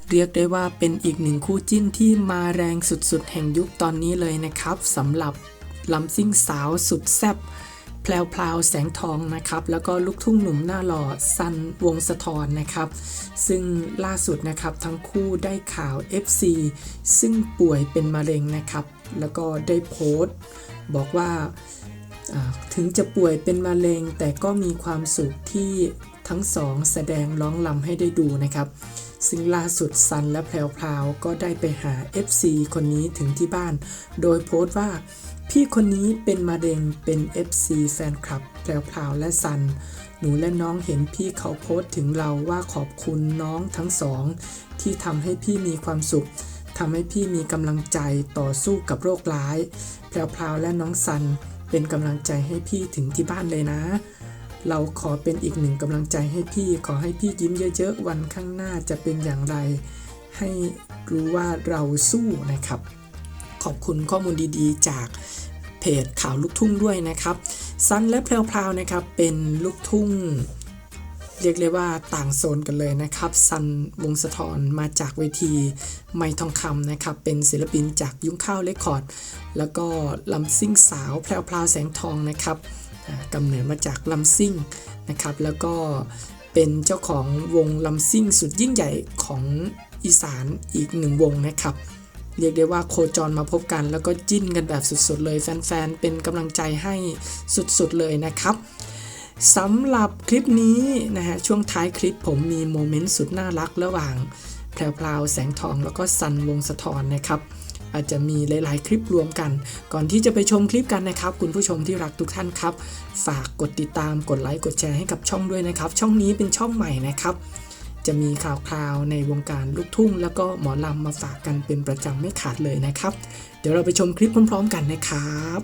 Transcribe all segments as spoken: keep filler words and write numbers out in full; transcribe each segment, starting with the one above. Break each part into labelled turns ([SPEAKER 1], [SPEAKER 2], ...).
[SPEAKER 1] เรียกได้ว่าเป็นอีกหนึ่งคู่จิ้นที่มาแรงสุดๆแห่งยุคตอนนี้เลยนะครับสำหรับลำซิ่งสาวสุดแซ่บแพลวๆแสงทองนะครับแล้วก็ลูกทุ่งหนุ่มหน้าหล่อซันวงศ์สะธรนะครับซึ่งล่าสุดนะครับทั้งคู่ได้ข่าว เอฟ ซี ซึ่งป่วยเป็นมะเร็งนะครับแล้วก็ได้โพสต์บอกว่าถึงจะป่วยเป็นมะเร็งแต่ก็มีความสุขที่ทั้งสองแสดงร้องรำให้ได้ดูนะครับซึ่งล่าสุดซันและแพรวๆก็ได้ไปหา เอฟ ซี คนนี้ถึงที่บ้านโดยโพสต์ว่าพี่คนนี้เป็นมะเร็งเป็น เอฟ ซี แฟนคลับแพรวๆและซันหนูและน้องเห็นพี่เขาโพสต์ถึงเราว่าขอบคุณน้องทั้งสองที่ทำให้พี่มีความสุขทำให้พี่มีกำลังใจต่อสู้กับโรคร้ายแพรวๆและน้องซันเป็นกำลังใจให้พี่ถึงที่บ้านเลยนะเราขอเป็นอีกหนึ่งกำลังใจให้พี่ขอให้พี่ยิ้มเยอะๆวันข้างหน้าจะเป็นอย่างไรให้รู้ว่าเราสู้นะครับขอบคุณข้อมูลดีๆจากเพจข่าวลูกทุ่งด้วยนะครับซันและแพรวๆนะครับเป็นลูกทุ่งเรียกเลยว่าต่างโซนกันเลยนะครับซันวงศ์สะธรมาจากเวทีไมค์ทองคำนะครับเป็นศิลปินจากยุ้งข้าวเรคคอร์ดแล้วก็ลำซิ่งสาวแพรวๆแสงทองนะครับกำเนิดมาจากลำซิ่งนะครับแล้วก็เป็นเจ้าของวงลำซิ่งสุดยิ่งใหญ่ของอีสานอีกหนึ่งวงนะครับเรียกได้ว่าโคจรมาพบกันแล้วก็จิ้นกันแบบสุดๆเลยแฟนๆเป็นกำลังใจให้สุดๆเลยนะครับสำหรับคลิปนี้นะฮะช่วงท้ายคลิปผมมีโมเมนต์สุดน่ารักระหว่างแพรวๆแสงทองแล้วก็ซันวงศ์สะธรนะครับอาจจะมีหลายๆคลิปรวมกันก่อนที่จะไปชมคลิปกันนะครับคุณผู้ชมที่รักทุกท่านครับฝากกดติดตามกดไลค์กดแชร์ให้กับช่องด้วยนะครับช่องนี้เป็นช่องใหม่นะครับจะมีข่าวคราวในวงการลูกทุ่งแล้วก็หมอลำมาฝากกันเป็นประจำไม่ขาดเลยนะครับเดี๋ยวเราไปชมคลิปพร้อมๆกันนะครับ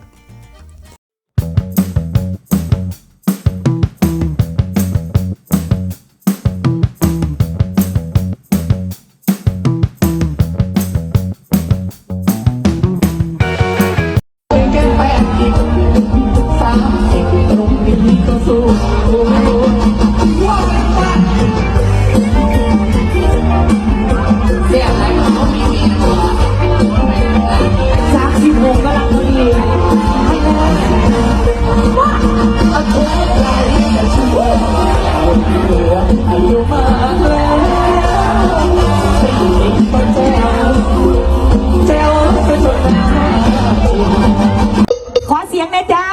[SPEAKER 2] ขอเสียงนะจ้า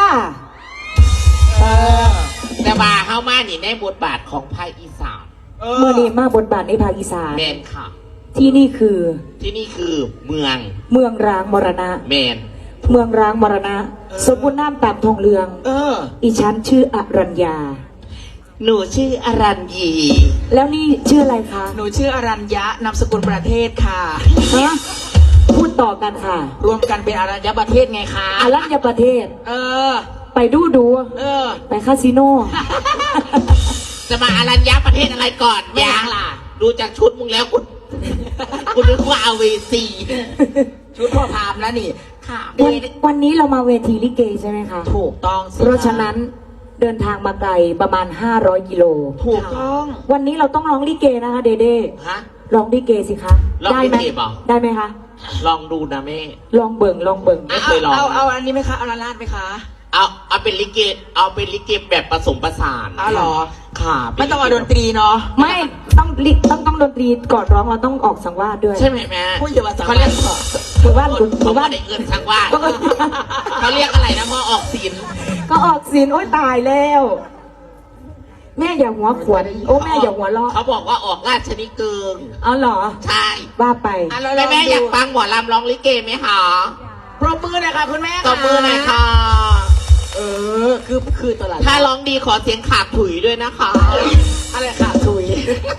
[SPEAKER 3] แต่ว่าเข้ามานี่ในบทบาทของภาคอีสาน
[SPEAKER 2] เมื่อนี้มาบทบาทในภาคอีสาน
[SPEAKER 3] แมนค่ะ
[SPEAKER 2] ที่นี่คือ
[SPEAKER 3] ที่นี่คือเมือง
[SPEAKER 2] เมืองร้างมรณะ
[SPEAKER 3] แมน
[SPEAKER 2] เมืองร้างมรณะสมบูรณ์น้ำตามทองเรือง
[SPEAKER 3] เออ
[SPEAKER 2] อีฉันชื่ออรัญญา
[SPEAKER 3] หนูชื่ออรัญญี
[SPEAKER 2] แล้วนี่ชื่ออะไรคะ
[SPEAKER 4] หนูชื่ออรัญญะนามสกุลประเทศค่ะ
[SPEAKER 2] ฮะพูดต่อกันค่ะ
[SPEAKER 4] รวมกันเป็นอรัญญประเทศไงคะ
[SPEAKER 2] อรัญญประเทศ
[SPEAKER 4] เออ
[SPEAKER 2] ไปดูดู
[SPEAKER 4] เออ
[SPEAKER 2] ไปคาสิโน
[SPEAKER 3] จะมาอรัญญประเทศอะไรก่อน
[SPEAKER 4] ไม่ยังล่ะ
[SPEAKER 3] ดูจากชุดมึงแล้วคุณคุณนึกว่าเอาเวซี
[SPEAKER 4] ชุดพ่อพามแล้วนี่
[SPEAKER 2] ค่ะวันวันนี้เรามาเวทีลิเกใช่ไหมคะ
[SPEAKER 4] ถูกต้อง
[SPEAKER 2] เพราะฉะนั้นเดินทางมาไกลประมาณห้าร้อยกิโล
[SPEAKER 4] ถูกต้อง
[SPEAKER 2] วันนี้เราต้องร้องลิเกนะคะเดเด้
[SPEAKER 3] ฮะ
[SPEAKER 2] ร้องลิเกสิคะ
[SPEAKER 3] ได้ไหม
[SPEAKER 2] ได้ไหมคะ
[SPEAKER 3] ลองดูนะแม่
[SPEAKER 2] ลองเบิ่งลองเบิ่ง
[SPEAKER 3] ไม่เคยลอง
[SPEAKER 4] เอาเอาอันนี้ไหมคะเอาลาลาดไหมคะ
[SPEAKER 3] เอาเอาเป็นลิเกเอาเป็นลิเกแบบผสมผสาน
[SPEAKER 4] อ้าวหรอ
[SPEAKER 3] ค่ะ
[SPEAKER 4] ไม่ต้องเอาดนตรีเนาะ
[SPEAKER 2] ไม่ต้องต้องต้องดนตรีก่อนร้องเราต้องออกสังวาสด้วย
[SPEAKER 3] ใช่ไหมแม่
[SPEAKER 4] พูดอย่าว่าสังวาส
[SPEAKER 2] หมู่บ้าน
[SPEAKER 3] หมู่บ้านในเงินสังวาสเขาเรียกอะไรนะพอออกศีล
[SPEAKER 2] ก็ออกศีลโอ๊ยตายแล้วแม่อย่าหัวขวนโอ้แม่อย่าหัวล้อ
[SPEAKER 3] เขาบอกว่าออกราชนิเกิง
[SPEAKER 2] เอาหรอ
[SPEAKER 3] ใช่
[SPEAKER 2] ว่าไป
[SPEAKER 3] แม่แม่อยากฟังหมอลำร้องลิเกไหมคะ
[SPEAKER 4] ปรบมือหน่อยค่ะคุณแม่
[SPEAKER 3] ปรบมือหน่อยค่ะ
[SPEAKER 4] เออคือคือตลาด
[SPEAKER 3] ถ้าร้องดีขอเสียงขาดถุยด้วยนะคะ
[SPEAKER 4] อะไรขาดถุย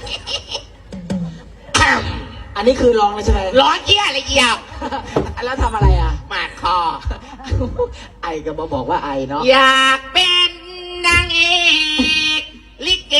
[SPEAKER 4] อันนี้คือร้องเลยใช่ไหม
[SPEAKER 3] ร้องเอี้ยอะไรเอี้ย
[SPEAKER 4] แล้วทำอะไรอ่ะ
[SPEAKER 3] หมาดคอ
[SPEAKER 4] ไอก็มาบอกว่าไอเนาะ
[SPEAKER 3] อยากเป็นนางเอกลิเก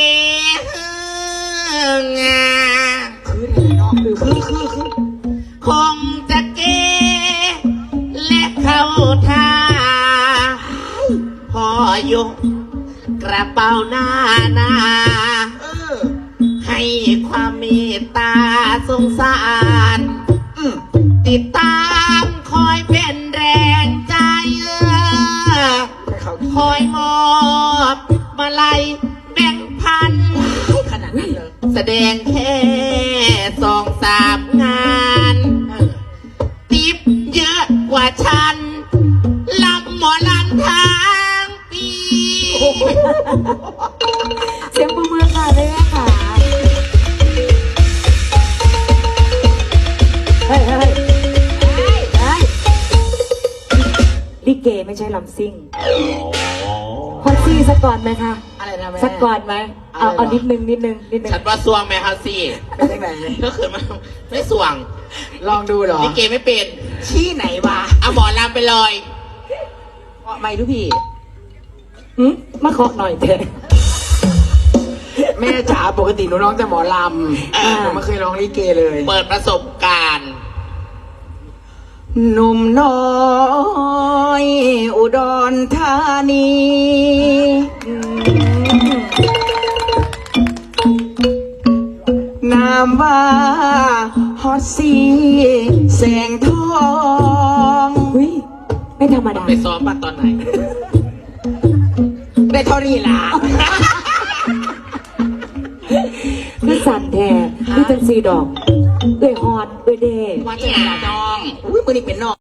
[SPEAKER 3] งา
[SPEAKER 4] คือเนาะคือคือคือคือ
[SPEAKER 3] คงจะเกและเข้าท่าพอยกกระเป๋าหน้าหน้าให้ให้ความเมตตาสงสาร
[SPEAKER 4] อืม
[SPEAKER 3] ติดตามคอยเป็นแรงใจเออ
[SPEAKER 4] ให้เขา
[SPEAKER 3] คอยมอบมาลัยแบ่งพัน
[SPEAKER 4] ขนาดนั้นเลย
[SPEAKER 3] แสดงแค่สองสามงาน
[SPEAKER 4] เออ
[SPEAKER 3] ติบเยอะกว่าฉันลำหมอลำทางปี
[SPEAKER 2] เสียงปรบมือค่ะเลยแม่ค่ะเฮ้ยเฮ้ยเฮ้ยเฮ้ยลิเกไม่ใช่ลำซิ่งพอซี่สักก่อนไหมคะ
[SPEAKER 4] อะไรนะแม่
[SPEAKER 2] สักก่อนไหมเอา
[SPEAKER 4] อะไรเหรอ
[SPEAKER 2] เอานิดนึงนิดนึงนิดนึง
[SPEAKER 3] ฉันว่าสวงไหมครับสิ
[SPEAKER 4] เป็นยังไง
[SPEAKER 3] ก็คือมันไม่สวง
[SPEAKER 4] ลองดูเหรอ
[SPEAKER 3] ลิเกไม่เป็น
[SPEAKER 4] ที่ไหนวะ
[SPEAKER 3] เอาหมอลำไปเลย
[SPEAKER 4] ไม่ทุกพี่
[SPEAKER 2] หืมมาเคาะหน่อยเถอะ
[SPEAKER 4] แม่จ๋าปกติหนูร้องแต่หมอลำหนูไม่เคยร้องลิเกเลย
[SPEAKER 3] เปิดประสบการณ์
[SPEAKER 4] หนุ่มน้อยอุดรธานีนามว่าฮอตซีแสงทอง
[SPEAKER 2] อุ้ยไม่ธรรมดา
[SPEAKER 3] ไปซ้อมมาตอนไหน
[SPEAKER 4] ได้เท่านี้ล่ะ
[SPEAKER 2] คือสั่นแท้คือจังสีดอกเอ้ยฮอดเอ้ยเด้
[SPEAKER 4] ว่าจะเป็นน้องอุ้ยมือนี่เป็นน้อง